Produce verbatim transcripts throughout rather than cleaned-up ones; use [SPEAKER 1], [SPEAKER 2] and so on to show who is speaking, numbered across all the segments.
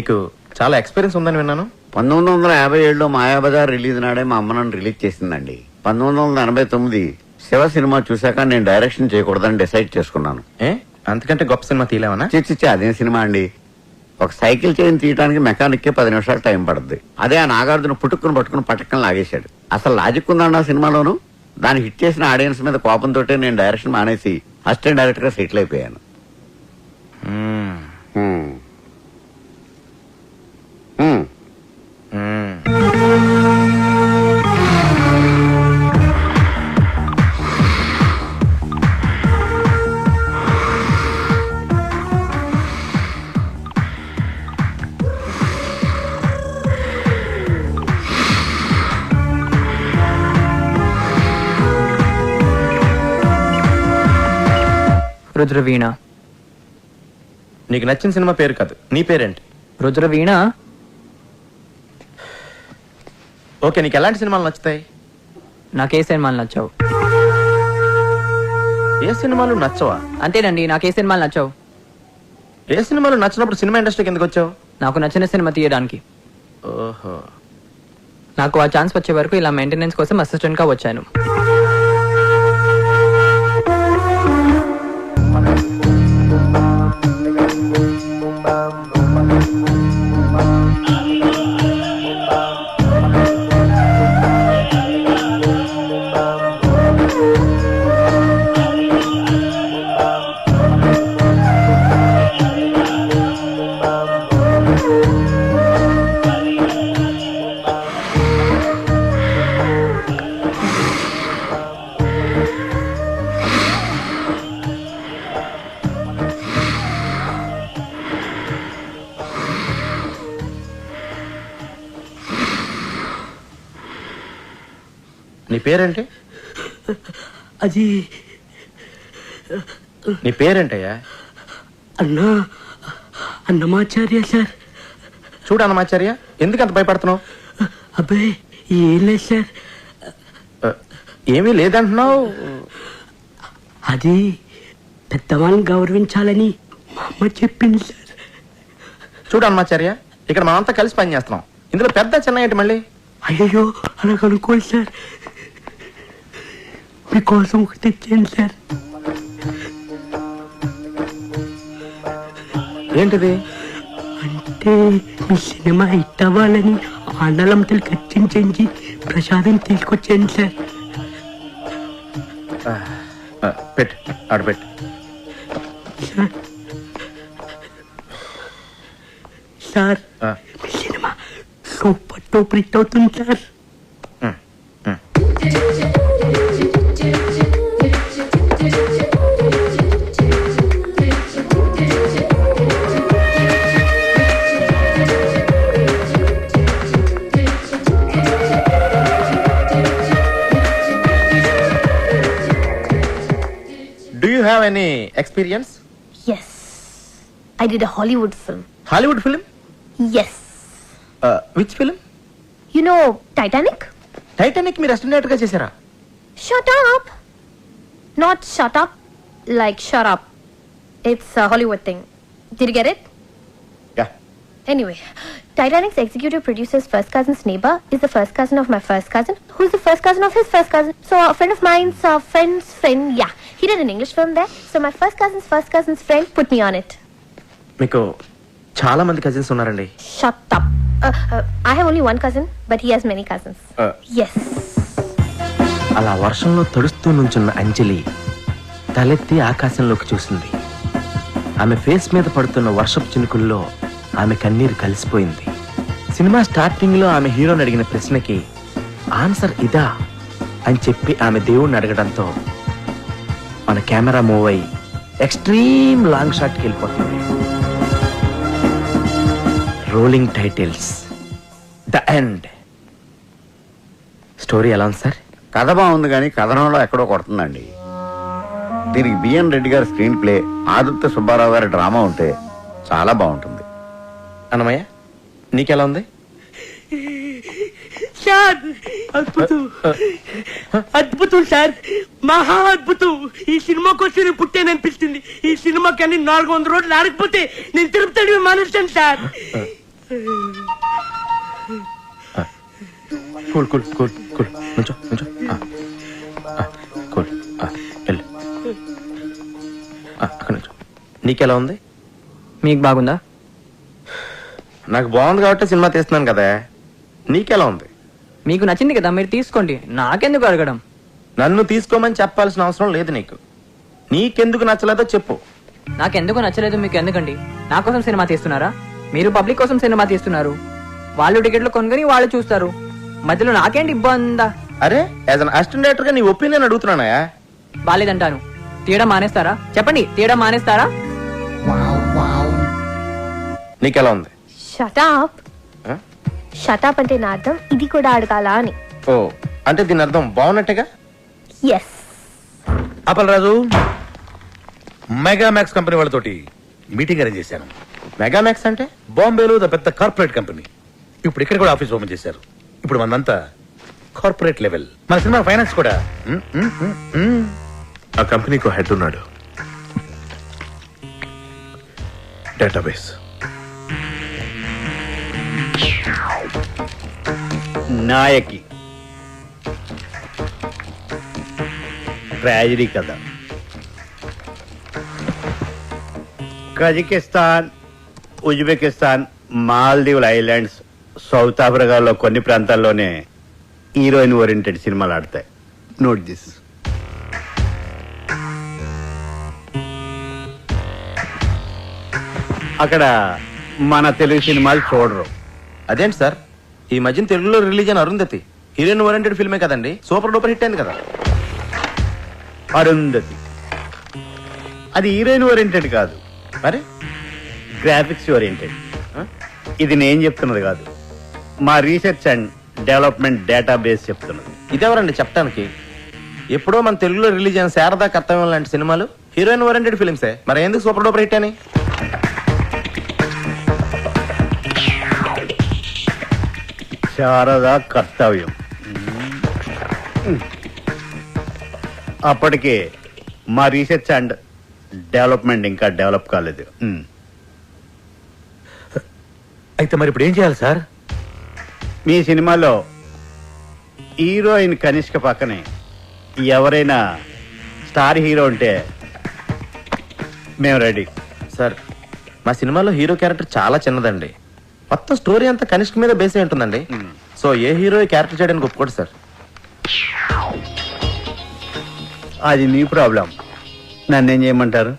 [SPEAKER 1] మీకు చాలా ఎక్స్పీరియన్స్ ఉందని విన్నాను.
[SPEAKER 2] పంతొమ్మిది వందల యాభై ఏడులో మాయాబజార్ రిలీజ్ నాడే మా అమ్మ నన్ను రిలీజ్ చేసిందండి. పంతొమ్మిది వందల ఎనభై తొమ్మిది శివ సినిమా చూశాక నేను డైరెక్షన్ చేయకూడదని డిసైడ్ చేసుకున్నాను.
[SPEAKER 1] ఏ అంతకంటే గొప్ప సినిమా తీలేవనా?
[SPEAKER 2] చిచ్చి అదేం సినిమా అండి. ఒక సైకిల్ చైన్ తీయడానికి మెకానిక్ కే పది నిమిషాలు టైం పడుతుంది. అదే ఆ నాగార్జున పుట్టుకుని పట్టుకుని పట్టకని లాగేశాడు. అసలు లాజిక్ ఉందండి ఆ సినిమాలోను. దాన్ని హిట్ చేసిన ఆడియన్స్ మీద కోపంతో నేను డైరెక్షన్ మానేసి అసిస్టెంట్ డైరెక్టర్ గా సెటిల్ అయిపోయాను.
[SPEAKER 3] రుద్రవీణ.
[SPEAKER 1] నీకు నచ్చిన సినిమా పేరు కాదు, నీ పేరేంటి?
[SPEAKER 3] రుద్రవీణ.
[SPEAKER 1] ఓకే, నీకు ఎలాంటి సినిమాలు నచ్చుతాయి?
[SPEAKER 3] నాకే సినిమాలు నచ్చావు.
[SPEAKER 1] ఏ సినిమాలు నచ్చవా?
[SPEAKER 3] అంతేనండి, నాకే సినిమాలు నచ్చావు.
[SPEAKER 1] ఏ సినిమాలు నచ్చినప్పుడు సినిమా ఇండస్ట్రీకి ఎందుకు వచ్చావు?
[SPEAKER 3] నాకు నచ్చిన సినిమా తీయడానికి.
[SPEAKER 1] ఓహో.
[SPEAKER 3] నాకు ఆ ఛాన్స్ వచ్చే వరకు ఇలా మెయింటెనెన్స్ కోసం అసిస్టెంట్ గా వచ్చాను.
[SPEAKER 1] నీ పేరేంటి?
[SPEAKER 4] అది
[SPEAKER 1] నీ పేరేంటయ్యా?
[SPEAKER 4] అన్నా అన్నమాచార్య సార్.
[SPEAKER 1] చూడు అన్నమాచార్య, ఎందుకు అంత భయపడుతున్నావు?
[SPEAKER 4] అబ్బాయి ఏం లేదు సార్.
[SPEAKER 1] ఏమీ లేదంటున్నావు.
[SPEAKER 4] అది పెద్దవాళ్ళని గౌరవించాలని మా అమ్మ చెప్పింది సార్.
[SPEAKER 1] చూడు అన్నమాచార్య, ఇక్కడ మనమంతా కలిసి పని చేస్తున్నాం. ఇందులో పెద్ద చిన్న ఏంటి మళ్ళీ?
[SPEAKER 4] అయ్యో అలా కనుక్కోండి సార్. మీకోసం ఒకటి తెచ్చాను సార్.
[SPEAKER 1] ఏంటిది?
[SPEAKER 4] అంటే మీ సినిమా హిట్ అవ్వాలని ఆండలంతలు ఖర్చించి ప్రసాదం తీసుకొచ్చాను సార్.
[SPEAKER 1] పెట్టు, ఆడబెట్టు.
[SPEAKER 4] సార్ సార్ మీ సినిమా సూపర్ టూపర్ హిట్ అవుతుంది sir.
[SPEAKER 1] Do you have any experience?
[SPEAKER 5] Yes, I did a Hollywood film.
[SPEAKER 1] Hollywood film?
[SPEAKER 5] Yes.
[SPEAKER 1] Uh, which film?
[SPEAKER 5] You know Titanic?
[SPEAKER 1] Titanic మీరు అసిస్టెంట్ డైరెక్టర్ గా చేశారా?
[SPEAKER 5] Shut up. Not shut up, like shut up. It's a Hollywood thing. Did you get it?
[SPEAKER 1] Yeah.
[SPEAKER 5] Anyway, Titanic's executive producer's first cousin's neighbor is the first cousin of my first cousin, who's the first cousin of his first cousin. So a friend of mine's uh, friend's friend, yeah, he did an English film there. So my first cousin's first cousin's friend put me on it.
[SPEAKER 1] మీకు చాలా మంది cousins ఉన్నారండి.
[SPEAKER 5] Shut up. Uh, uh, I have only one cousin, but he has many cousins.
[SPEAKER 1] Uh.
[SPEAKER 5] Yes.
[SPEAKER 1] అలా వర్షంలో తడుస్తూ నుంచున్న అంజలి తలెత్తి ఆకాశంలోకి చూసింది. ఆమె ఫేస్ మీద పడుతున్న వర్షపు చినుకుల్లో ఆమె కన్నీరు కలిసిపోయింది. సినిమా స్టార్టింగ్ లో ఆమె హీరోని అడిగిన ప్రశ్నకి ఆన్సర్ ఇదా అని చెప్పి ఆమె దేవుణ్ణి అడగడంతో మన కెమెరా మూవ్ అయ్యి ఎక్స్ట్రీమ్ లాంగ్ షాట్ కి వెళ్ళిపోతుంది. Rolling titles, the end. Story ఎలా ఉంది సార్?
[SPEAKER 2] కథ బాగుంది కానీ కథనంలో ఎక్కడో కొడుతుందండి. దీనికి బిఎన్ రెడ్డి గారి స్క్రీన్ ప్లే, ఆదిత్య సుబ్బారావు గారి డ్రామా ఉంటే చాలా బాగుంటుంది.
[SPEAKER 1] అన్నమయ్య, నీకెలా ఉంది?
[SPEAKER 4] సార్ అద్భుతం, అద్భుతం సార్, మహా అద్భుతం. ఈ సినిమా కోసం నేను పుట్టాననిపిస్తుంది. ఈ సినిమా కానీ నాలుగు వందల రోజులు ఆడకపోతే నేను తిరుపతి మానేస్తాను sir.
[SPEAKER 1] Cool cool cool cool నుంచో నుంచో కూల్ వెళ్ళు అక్కడ నుంచో. నీకెలా ఉంది?
[SPEAKER 3] మీకు బాగుందా?
[SPEAKER 1] నాకు బాగుంది కాబట్టి సినిమా తీస్తున్నాను కదా. నీకెలా ఉంది?
[SPEAKER 3] మీకు నచ్చింది కదా, మీరు తీసుకోండి. నాకెందుకు అడగడం?
[SPEAKER 1] నన్ను తీసుకోమని చెప్పాల్సిన అవసరం లేదు నీకు. నీకెందుకు నచ్చలేదో చెప్పు.
[SPEAKER 3] నాకెందుకు నచ్చలేదు మీకు ఎందుకండి? నా కోసం సినిమా తీస్తున్నారా? మీరు పబ్లిక్ కోసం సినిమా తీస్తున్నారు. వాళ్ళు టికెట్లు కొనుగొని వాళ్ళు చూస్తారు. మధ్యలో నాకేంటి ఇబ్బందా?
[SPEAKER 1] అరే యాజ్ అన్ అసిస్టెంట్ డైరెక్టర్ గా నీ ఒపీనియన్ అడుగుతున్నానయా.
[SPEAKER 3] బాలేదంటాను. తీయడం మానేస్తారా? చెప్పండి, తీయడం మానేస్తారా?
[SPEAKER 1] నీకెలా ఉంది?
[SPEAKER 5] షటాప్ షటాప్ అంటే నా అర్థం ఇది కూడా అడగాల అని.
[SPEAKER 1] ఓ అంటే దీని అర్థం బాగున్నట్టుగా.
[SPEAKER 5] ఎస్.
[SPEAKER 6] అప్పలరాజు, మెగామాక్స్ కంపెనీ వాళ్ళతోటి మీటింగ్ అరేంజ్ చేశాను.
[SPEAKER 1] మెగామాక్స్ అంటే?
[SPEAKER 6] బాంబేలో ద పెద్ద కార్పొరేట్ కంపెనీ. ఇప్పుడు ఇక్కడ కూడా ఆఫీస్ ఓపెన్ చేశారు. ఇప్పుడు మనంతా కార్పొరేట్ లెవెల్. మన సినిమా ఫైనాన్స్ కూడా. మ్, మ్, మ్, మ్.
[SPEAKER 7] ఆ కంపెనీకి హెడ్ ఉన్నాడు. డేటాబేస్
[SPEAKER 8] నాయకి ట్రాజడీ కథ. కజకిస్తాన్, ఉజ్బెకిస్తాన్, మాల్దీవుల ఐలాండ్స్, సౌత్ ఆఫ్రికాలో కొన్ని ప్రాంతాల్లోనే హీరోయిన్ ఓరియంటెడ్ సినిమాలు ఆడతాయి. Note this. అక్కడ మన తెలుగు సినిమాలు చూడరు.
[SPEAKER 1] అదేంటి సార్, ఈ మధ్యన తెలుగులో రిలీజ్ అయిన అరుంధతి హీరోయిన్ ఓరియంటెడ్ ఫిల్మే కదండి. సూపర్ డూపర్ హిట్ అయింది కదా.
[SPEAKER 8] అరుంధతి అది హీరోయిన్ ఓరియంటెడ్ కాదు,
[SPEAKER 1] మరి
[SPEAKER 8] గ్రాఫిక్స్ ఓరియంటెడ్. ఇది నేను చెప్తున్నది కాదు, మా రీసెర్చ్ అండ్ డెవలప్మెంట్ డేటాబేస్ చెప్తున్నది.
[SPEAKER 1] ఇదెవరండి చెప్పడానికి? ఎప్పుడో మన తెలుగులో రిలీజ్ అయిన శారదా కర్తవ్యం లాంటి సినిమాలు హీరోయిన్ ఓరియంటెడ్ ఫిల్మ్సే. మరి ఎందుకు సూపర్ డూపర్ హిట్ అని?
[SPEAKER 8] శారదా కర్తవ్యం అప్పటికే మా రీసెర్చ్ అండ్ డెవలప్మెంట్ ఇంకా డెవలప్ కాలేదు.
[SPEAKER 6] అయితే మరి ఇప్పుడు ఏం చేయాలి సార్?
[SPEAKER 8] మీ సినిమాలో హీరోయిన్ కనిష్క పక్కనే ఎవరైనా స్టార్ హీరో ఉంటే మేము రెడీ.
[SPEAKER 1] సార్ మా సినిమాలో హీరో క్యారెక్టర్ చాలా చిన్నదండి. మొత్తం స్టోరీ అంతా కనిష్క మీద బేస్ అయి ఉంటుందండి. సో ఏ హీరో క్యారెక్టర్ చేయడానికి ఒప్పుకోడు సార్.
[SPEAKER 8] అది మీ ప్రాబ్లం. నన్నేం చేయమంటారు?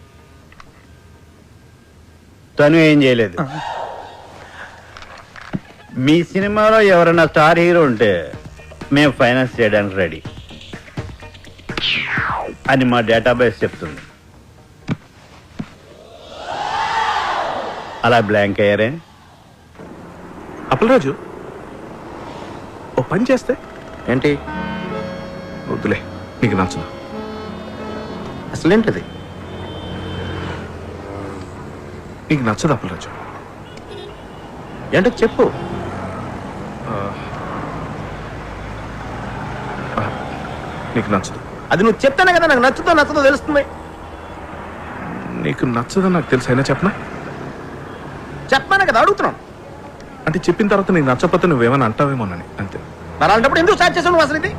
[SPEAKER 8] తను ఏం చేయలేదు. మీ సినిమాలో ఎవరైనా స్టార్ హీరో ఉంటే మేము ఫైనాన్స్ చేయడానికి రెడీ అని మా డేటాబేస్ చెప్తుంది. అలా బ్లాంక్ అయ్యారే?
[SPEAKER 7] అప్పలరాజు ఓ పని చేస్తే
[SPEAKER 1] ఏంటి?
[SPEAKER 7] వద్దులే, నీకు నచ్చదు.
[SPEAKER 1] అసలేంటిది?
[SPEAKER 7] నీకు నచ్చదు అప్పలరాజు.
[SPEAKER 1] ఏంటో చెప్పు.
[SPEAKER 7] నీకు నచ్చదు.
[SPEAKER 1] అది నువ్వు చెప్తానే కదా నాకు నచ్చుతో నచ్చదో తెలుస్తుంది.
[SPEAKER 7] నీకు నచ్చదని నాకు తెలుసు, అయినా చెప్పనా?
[SPEAKER 1] చెప్పానే కదా అడుగుతున్నాను.
[SPEAKER 7] అంటే చెప్పిన తర్వాత నీకు నచ్చకపోతే నువ్వేమైనా అంటావేమోనని అంతే.
[SPEAKER 1] మరి అలాంటప్పుడు ఎందుకు స్టార్ట్ చేసావు నువ్వు అసలు ఇది?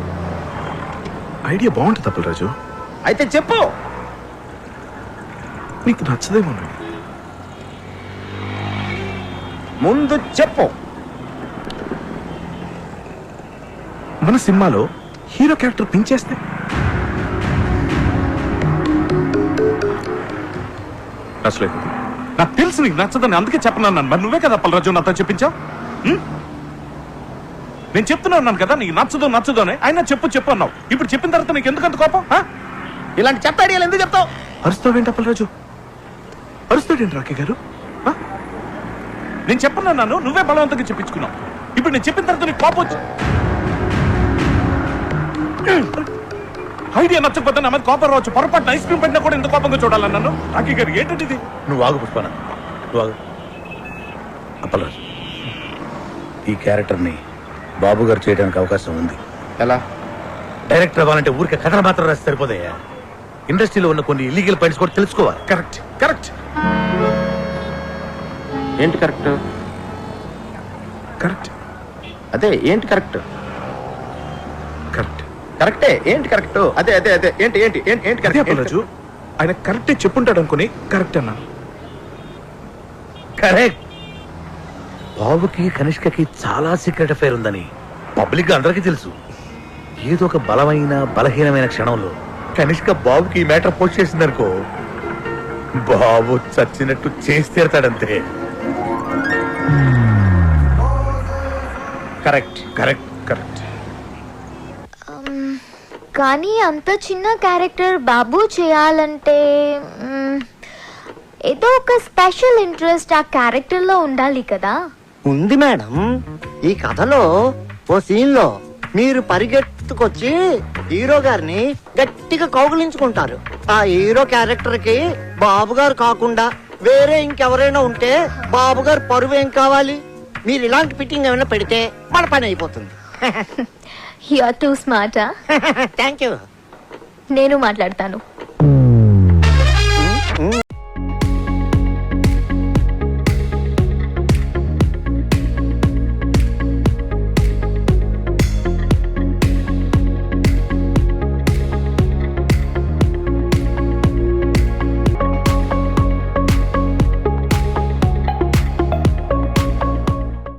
[SPEAKER 7] ఐడియా బాగుంటుంది అప్పలరాజు.
[SPEAKER 1] అయితే చెప్పు.
[SPEAKER 7] నీకు నచ్చదేమోనని.
[SPEAKER 1] ముందు చెప్పు.
[SPEAKER 7] మన సినిమాలో హీరో క్యారెక్టర్ పించేస్తే నచ్చలేదు. నాకు తెలుసు నీకు నచ్చదని, అందుకే చెప్పనన్నాను. మరి నువ్వే కదా అప్పలరాజు నాతో చెప్పించావు. నేను చెప్తున్నాను కదా నీకు నచ్చదు నచ్చదు అని. అయినా చెప్పు చెప్పు అన్నావు. ఇప్పుడు చెప్పిన తర్వాత నీకు ఎందుకంత కోపం?
[SPEAKER 1] ఇలాంటి చెత్త ఐడియాలు ఎందుకు చెప్తావు?
[SPEAKER 7] అరుస్తావేంటి అప్పలరాజు? అరుస్తాడేంటి రాకే గారు? నేను చెప్పనన్నాను, నువ్వే బలవంతంగా చెప్పించుకున్నావు. ఇప్పుడు నేను చెప్పిన తర్వాత నీకు కోపం వచ్చి ఐడియా నచ్చకపోతే నా మీద కోపం రావచ్చు. పొరపాటు ఐస్ క్రీమ్ పెట్టినా కూడా ఇంత కోపంగా చూడాలన్నాను. రాకే గారు ఏంటంటే ఇది?
[SPEAKER 6] నువ్వు ఆగు పుష్పన, నువ్వు ఆగు. అప్పలరాజు, ఈ క్యారెక్టర్ని బాబు గారు చేయడానికి అవకాశం ఉంది.
[SPEAKER 1] ఎలా?
[SPEAKER 6] డైరెక్టర్ అవ్వాలంటే ఊరికే కథలు మాత్రం రాసి సరిపోతాయా? ఇండస్ట్రీలో ఉన్న కొన్ని ఇల్లీగల్ పాయింట్స్ కూడా తెలుసుకోవాలి.
[SPEAKER 7] Correct correct.
[SPEAKER 1] ఏంటి కరెక్ట్?
[SPEAKER 7] కరెక్ట్
[SPEAKER 1] అదే ఏంటి కరెక్ట్?
[SPEAKER 7] కరెక్ట్
[SPEAKER 1] కరెక్టే ఏంటి కరెక్ట్? అదే అదే అదే ఏంటి ఏంటి ఏంటి ఏంటి
[SPEAKER 7] అదే
[SPEAKER 1] కరెక్ట్?
[SPEAKER 7] అప్పలరాజు, ఆయన కరెక్టే చెప్పుంటాడు అనుకుని కరెక్ట్ అన్నాను.
[SPEAKER 6] కరెక్ట్. బాబుకి కనిష్కకి చాలా సీక్రెట్ అఫైర్ ఉందని పబ్లిక్ గా అందరికీ తెలుసు. ఏదో ఒక బలమైన బలహీనమైన క్షణంలో కనిష్క బాబుకి ఈ మ్యాటర్ పోస్ట్ చేసిందనుకో, బాబు చచ్చినట్టు చేసి తీరతాడంతే. Correct correct correct.
[SPEAKER 5] కానీ అంత చిన్న క్యారెక్టర్ బాబు చేయాలంటే మ్మ్, ఏదో ఒక స్పెషల్ ఇంట్రెస్ట్ ఆ క్యారెక్టర్ లో ఉండాలి కదా.
[SPEAKER 9] ఉంది మేడం. ఈ కథలో ఓ సీన్ లో మీరు పరిగెత్తుకొచ్చి హీరో గారిని గట్టిగా కౌగులించుకుంటారు. ఆ హీరో క్యారెక్టర్ కి బాబు గారు కాకుండా వేరే ఇంకెవరైనా ఉంటే బాబు గారు పరువు ఏం కావాలి? మీరు ఇలాంటి ఫిట్టింగ్ ఏమైనా పెడితే మన పని అయిపోతుంది.
[SPEAKER 5] You are too smart.
[SPEAKER 9] Thank you.
[SPEAKER 5] నేను మాట్లాడతాను.